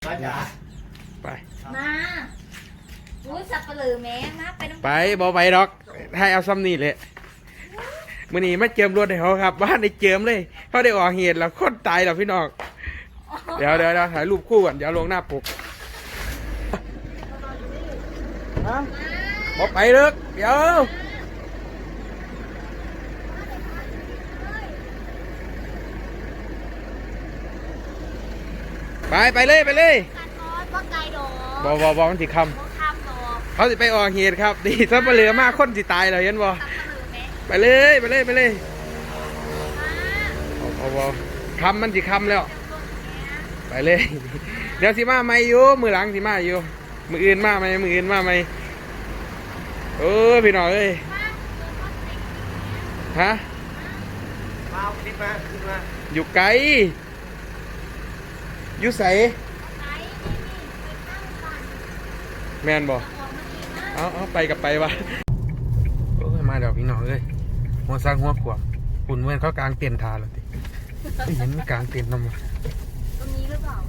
ไปมาอุ้ยสับปะเหลือแม่มาไปน้ำไปบอไปดอกให้เอาซ้ำนี่เลยมื่อนี้มาเจิมรถให้เขาครับบ้านได้เจิมเลยเขาได้ออกเหตุแล้วคนตายแล้วพี่น้องเดี๋ยวถ่ายรูปคู่ก่อนเดี๋ยวลงหน้าปกบอไปเลิกเดี๋ยวไปเลยบอมันสิคำเขาสิไปออกเหตุครับดีถ้าเหลือมากคนสิตายเลยเห็นบอไปเลยบอคำมันสิคำแล้วไปเลยเดี๋ยวสิมาไม่อยู่มือหลังสิมาอยู่มืออื่นมาไหมพี่น้องเอ้ยฮะขึ้นมาอยู่ไกลอยู่ใสแมนบอกเอาไปกับไปวะโอ้ยมาเดี๋ยวพี่น้องเอ้ยหัวสร้างหัวขวบปุ่นเมื่อเขากลางเตียนทาแล้วติเห็นไม่กลางเตียนทำไมตรงนี้หรือเปล่า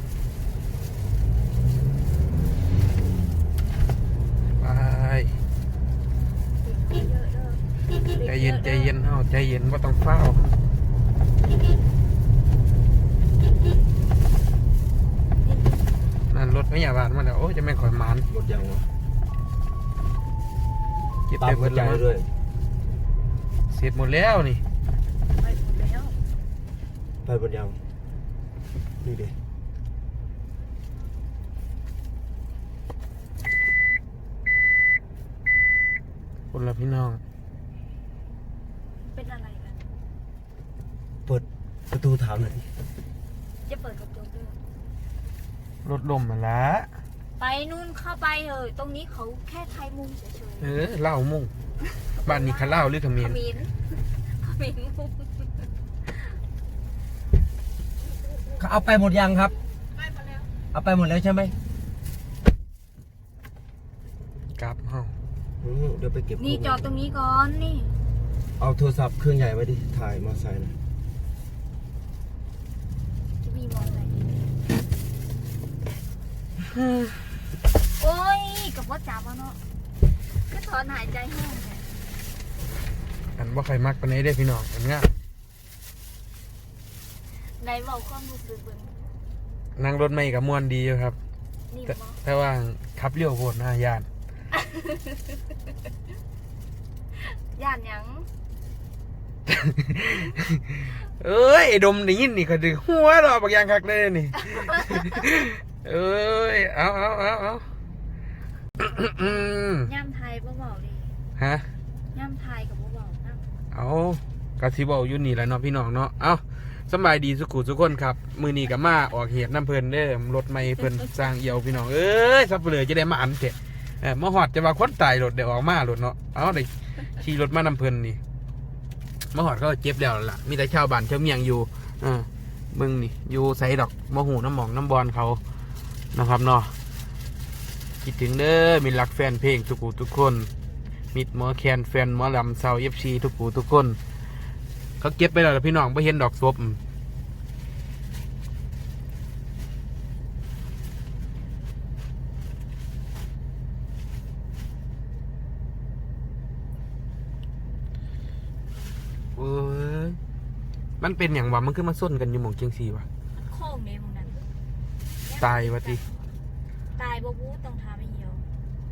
ไปใจเย็นเอาใจเย็นว่าต้องเฝ้านั่นรถไม่อยากบาดมาแล้วโอ้จะไม่ข่อยมันรถยังวะเก็บไปหมดแล้วเสร็จหมดแล้วนี่ไปหมดแล้วไปบนยังนี่ดิคนละพี่น้องเป็นอะไรกันเปิดประตูถามหน่อยจะเปิดกระจกด้วยรถลมมาละไปนู่นเข้าไปเลยตรงนี้เขาแค่ไทยมุงเฉยๆเล่ามุ่งบ้านนี้เขาเล่าหรือขมิ้นมุงเขาเอาไปหมดยังครับเอาไปหมดแล้วใช่ไหมกลับเฮาเดี๋ยวไปเก็บนี่จอดตรงนี้ก่อนนี่เอาโทรศัพท์เครื่องใหญ่ไว้ดิถ่ายมอเตอร์ไซค์นะจะมีมองอะไรโอ้ยกับว่าจับเนาะก็ถอนหายใจแห้งเลยอันว่าใครมักปานนี้ได้พี่น้องอันง่ายไหนบอกความรู้สึกเป็นนั่งรถไม่กับมวนดีอยู่ครับแต่ว่าขับเลี้ยวโคตรน่ายานย่านยังเอ้ยดมได้ยินนี่ก็ดึงหัวเราบางอย่างคักเลยนี่เอ้ยเอาย่ำไทยบ่บอกเลยฮะย่ำไทยกับบ่บอกนะเอากะสิบอกอยู่นี่แหละเนาะพี่น้องเนาะเอาสบายดีสุขุทุกคนครับมือนี้กับมาออกเหตุน้ำเพลินเด้อรถไม่เพลินสร้างเอี่ยวพี่น้องเอ้ยซับเปลือจะได้มาอันเถอะมาหอดจะมาคนตายรถเดี๋ยวออกมารถเนาะเอาได้ขี่รถมาน้ำเพลินนี่มาหอดเขาเจ็บแล้วล่ะมีแต่ชาวบ้านชาวเมียงอยู่มึงนี่อยู่ใส่ดอกมะหูน้ำหมองน้ำบอลเขานะครับเนาะคิดถึงเด้อมีรักแฟนเพลงทุกผู้ทุกคนมิดหมอแคนแฟนหมอลำเซาFCทุกผู้ทุกคนเขาเก็บไปแล้วพี่น้องไม่เห็นดอกศพมันเป็นอย่างวะมันขึ้นมาส้นกันอยู่หม่องเชียงซีวะโค้งเนมนั้นตายวะทีตายบ่บู๊ต้องทำให้เหี่ยว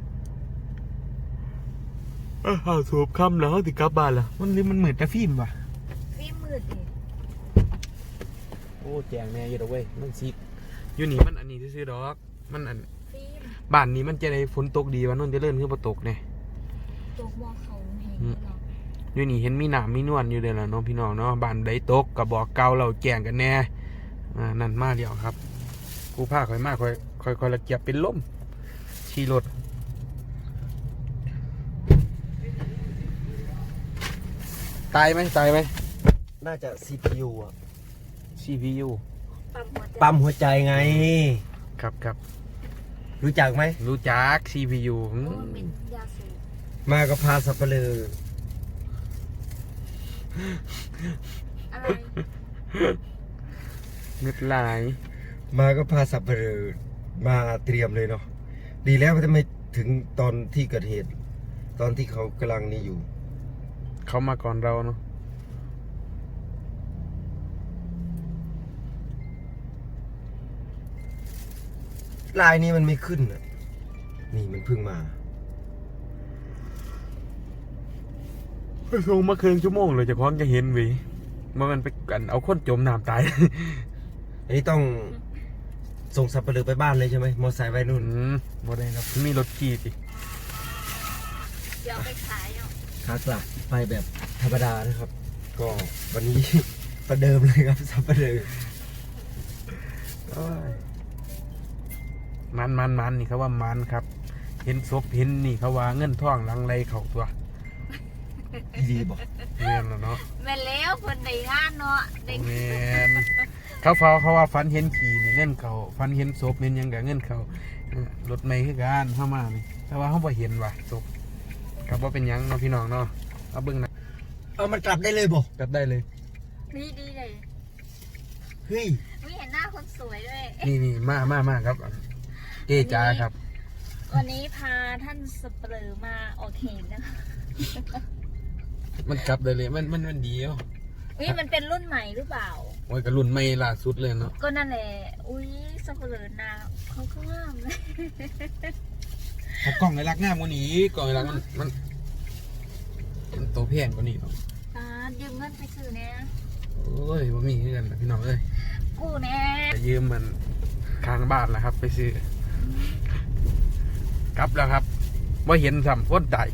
สูบคำแล้วติกลับบ้านละมันนี่มันเหมือนแต่ฟิล์มวะฟิล์มมืดดิโอ้แจงแน่เยอะเว้ยมันซิกอยู่นี่มันอันนี้ซื้อดอกมันอันฟิล์มบ้านนี้มันจะได้ฝนตกดีวะนนจะเลื่อนขึ้นมาตกเนี่ยตกมอเขาเห็นหรออยู่นี่เห็นมีหนามมีนวลอยู่เลยล่ะน้องพี่น้องเนาะบ้านใดตกกับบอกเก่าเราแจ้งกันแน่นั่นมาเดียวครับกูผ้าค่อยมากค่อยละเกียบเป็นล่มขี่รถตายไหมน่าจะ CPU อ่ะ CPU ปั๊มหัวใจไงครับรู้จักไหมรู้จัก CPU มาก็พาสับเปลืออะไรเงืดลายมาก็พาสับเปลือมาเตรียมเลยเนาะดีแล้วทำไมถึงตอนที่เกิดเหตุ ตอนที่เขากำลังนี่อยู่เขามาก่อนเราเนาะลายนี้มันไม่ขึ้นอ่ะนี่มันเพิ่งมาลงมาครึ่งชั่วโมงเลยจะคล้องจะเห็นเวิมันไปกันเอาคนจมน้ำตายอันนี้ต้องส่งสับปะเลอไปบ้านเลยใช่ไหมมอไซค์ไว้นู่นบ่ได้ครับมีรถขี่สิเดี๋ยวเอาไปขายเนาะขากลับไปแบบธรรมดานะครับ ก็วันนี้ ประเดิมเลยครับสับปะเลอมันนี่เขาว่ามันครับ เห็นศพเห็นนี่เขาว่าเงินท่องหลังไรเขาตัวดีบอกแม่นแล้วเนาะแม่นแล้วคนในงานเนาะเด็กแม่นเขาว่าฟันเห็นขี่นี่เงินเขาฟันเห็นศพเห็นหยังกับเงินเขารถไม่คือการเข้ามานี่แต่ว่าเขาบ่เห็นว่ะศพครับว่าเป็นหยังเนาะพี่น้องเนาะเอาเบิ่งนะเอามันกลับได้เลยบอกกลับได้เลยดีเลยเฮ้ยไม่เห็นหน้าคนสวยด้วยนี่มาครับเจจ้าครับวันนี้พาท่านสับเปลือมาออกเหตุนะคะมันกลับได้เลยมันดีอ่ะนี่มันเป็นรุ่นใหม่หรือเปล่าโอ้ยกระรุ่นไม่ล่าสุดเลยเนาะก็นั่นแหละ อุ้ยสับเปลือนาเขาก็งามเลยเขากล่องไอ้รักงามกว่านี้กล่องไอ้รักมันโตแพงกว่านี้เนาะยืมเงินไปซื้อเนี่ยโอ้ยบ่มีเงินนะพี่น้องเอ้ยกูเนี่ยจะยืมมันค้างบ้านแหละครับ ไปซื้อกลับแล้วครับว่าเห็นสัมพ้นใด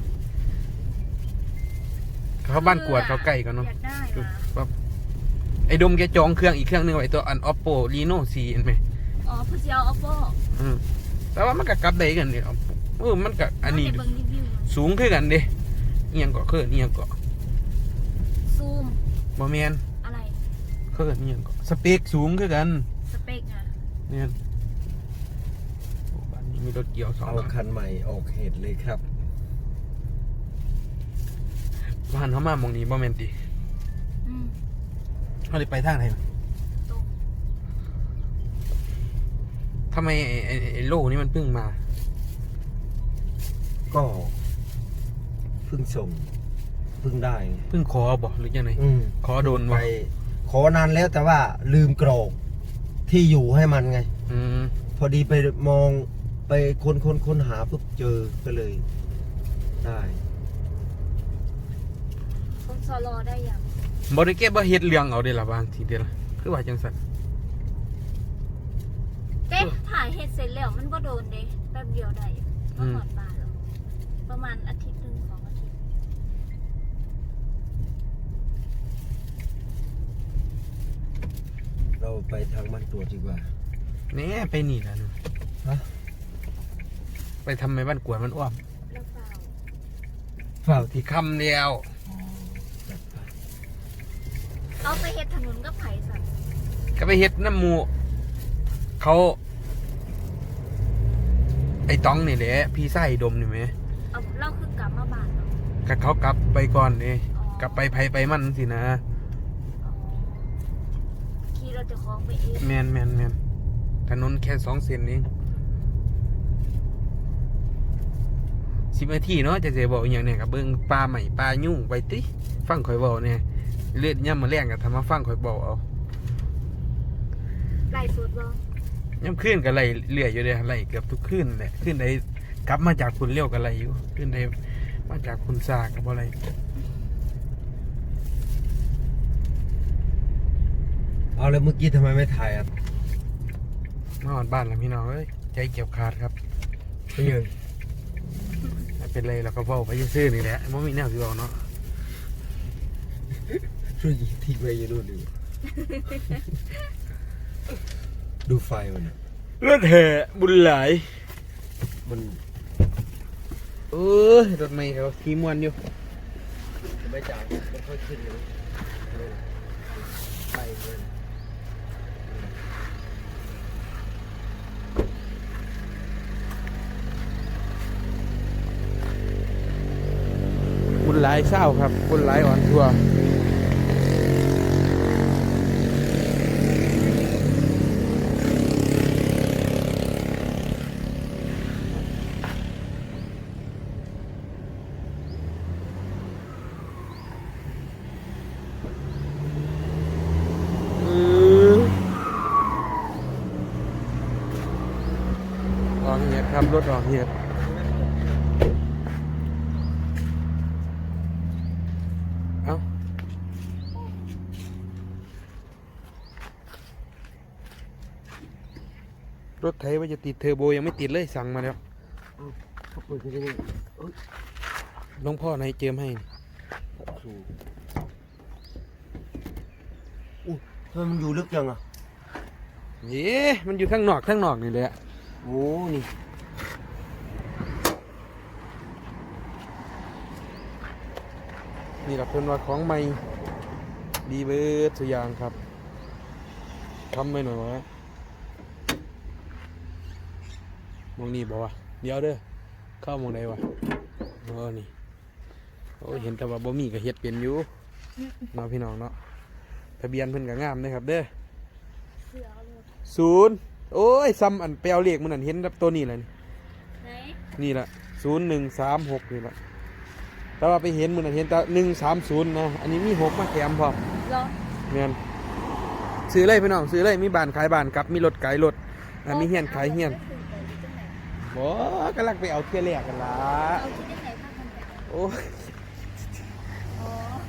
เขาบ้านกวดเขาใกล้กันเนาะอยากได้มาแบบไอ้ดมแกจองเครื่องอีกเครื่องนึงไว้ตัวอัน Oppo Reno 4เห็นไหมอ๋อผู้เชี่ยว Oppo แต่ว่ามันก็กลับได้กันเนี่ยมันก็อันนี้เบิ่งรีวิวสูงขึ้นกันเด้เอียงเกาะเคลื่อนเอียงเกาะซูมบ่แมนอะไรเคลื่อนเอียงเกาะสเปคสูงขึ้นกันสเปกอ่ะเนี่ยโอ้บ้านนี้มีรถเกี่ยวสองเอาหลังคันใหม่ออกเหตุเลยครับบ้านเขามามองนี้บ่แมนติอืมเขาเลยไปทางไหนตรงทำไมไอ้โลนี่มันเพิ่งมาก็เพิ่งส่งเพิ่งได้ไงเพิ่งขอบอกหรือยังไงขอโดนไปวะขอนานแล้วแต่ว่าลืมกรอกที่อยู่ให้มันไงอืมพอดีไปมองไปค้นหาปุ๊บเจอก็เลยได้คนซอรอได้ยังบริเก็บบ่เฮ็ดเรื่องเอาเด้ล่ะบางทีเดียวล่ะคือว่าจังซั่นเต้ถ่ายเฮ็ดเสร็จแล้วมันก็โดนเด้แป๊บเดียวได้ก็หมดบานแล้วประมาณอาทิตย์หนึ่ง2 อาทิตย์เราไปทางบ้านตรวจดีกว่าแหน่ไปนี่ล่ะนู่นฮะไปทำไมบ้านกวดมันอ้อมแล้วเปล่าเปล่าที่ที่คำเดียวจัดไปเอาไปเฮ็ดถนนก็ไผ่สัตว์ก็ไปเฮ็ดน้ำหมูเขาไอ้ต้องนี่แหละพี่ไส้ดมนี่ไหมเอาเล่าคือกลับมาบ้านเนาะก็เขากลับไปก่อนนี่อ๋อกลับไปไผไปมันสินะอ๋อขี่เราจะคล้องไปเองแมนถนนแค่2 เส้นเอง10 นาทีเนาะจะเสียบอกอหย่างเนี่ยกับเบิ่งปลาใหม่ปลายุ่งไปติฟังข่อยบอกเนี่ยเลือดย่ำมาแรงกับทำมาฟังข่อยบอกเอาไล่สุดบ่ย่ำขึ้นกับไหลเรื่อยอยู่เลยไหลเกือบทุกขึ้นแหละขึ้นได้กลับมาจากคุณเลี้ยวกับไหลอยู่ขึ้นได้มาจากคุณซากกับอะไรเอาแล้วเมื่อกี้ทำไมไม่ถ่ายอ่ะมาหอดบ้านแล้วพี่น้องเอ้ยใจเก็บขาดครับไม่ยังไม่เป็นไรเราก็เฝ้าไปซื่อๆนี่แหละไม่มีแนวที่บอกเนาะช่วยทิ้งไว้อยังดูดิดูไฟมันอะรถแห่บุญหลายมันเออรถไม่เขาขี่มวนอยู่ไม่จ่ายมันค่อยขึ้นเลยไปเลยบุญหลายเศร้าครับบุญหลายอ่อนทัวร์ออกเหตุครับรถออกเหตุเอ้ารถไถว่าจะติดเทอร์โบยังไม่ติดเลยสั่งมาแล้วเขาเปิดกันยังไงเอ้ยหลวงพ่อไหนเจิมให้อู้ทำไมมันอยู่ลึกจังอ่ะเย้มันอยู่ข้างนอกนี่แหละโอ้นี่นี่แหละเพิ่นว่าของใหม่ดีเบิดสุอยางครับทำไปหน่อยวะมองนี่บอกว่าเดี๋ยวเด้อเข้ามองใดวะนี่โอ้ยเห็นแต่ว่าบ่มีก็เฮ็ดเป็นอยู่เนาะพี่น้องเนาะทะเบียนเพิ่นก็งามนะครับเด้อเสือเอาเลย 0โอ้ยซ้ำอันไปเอาเลขมันนั่นเห็นแบบตัวนี้แหละนี่ไหนนี่แหละ0136นี่แหละแต่ว่าไปเห็นมันนั่นเห็นแต่130นะอันนี้มี6มาแถมพร้อมรอแม่นซื้อเลยพี่น้องซื้อเลยมีบ้านขายบ้านครับมีรถขายรถมีเฮียนขายเฮียนบ่กำลังไปเอาเที่ยแรกกันล่ะเอาที่ได้ไหนภาคมันไปโอ้ยอ๋อ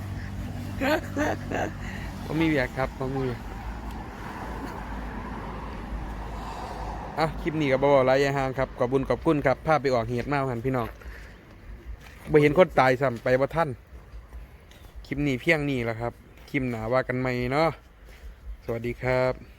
บ่มีเวียกครับบ่มีคลิปนี้ก็บ่บอกหลายอย่างครับขอบคุญขอบคุณครับพาไปออกเหตุมาหันพี่น้องบ่เห็นคนตายซ้ำไปบ่ทันคลิปนี้เพียงนี้แหละครับคลิปหน้าว่ากันใหม่เนาะสวัสดีครับ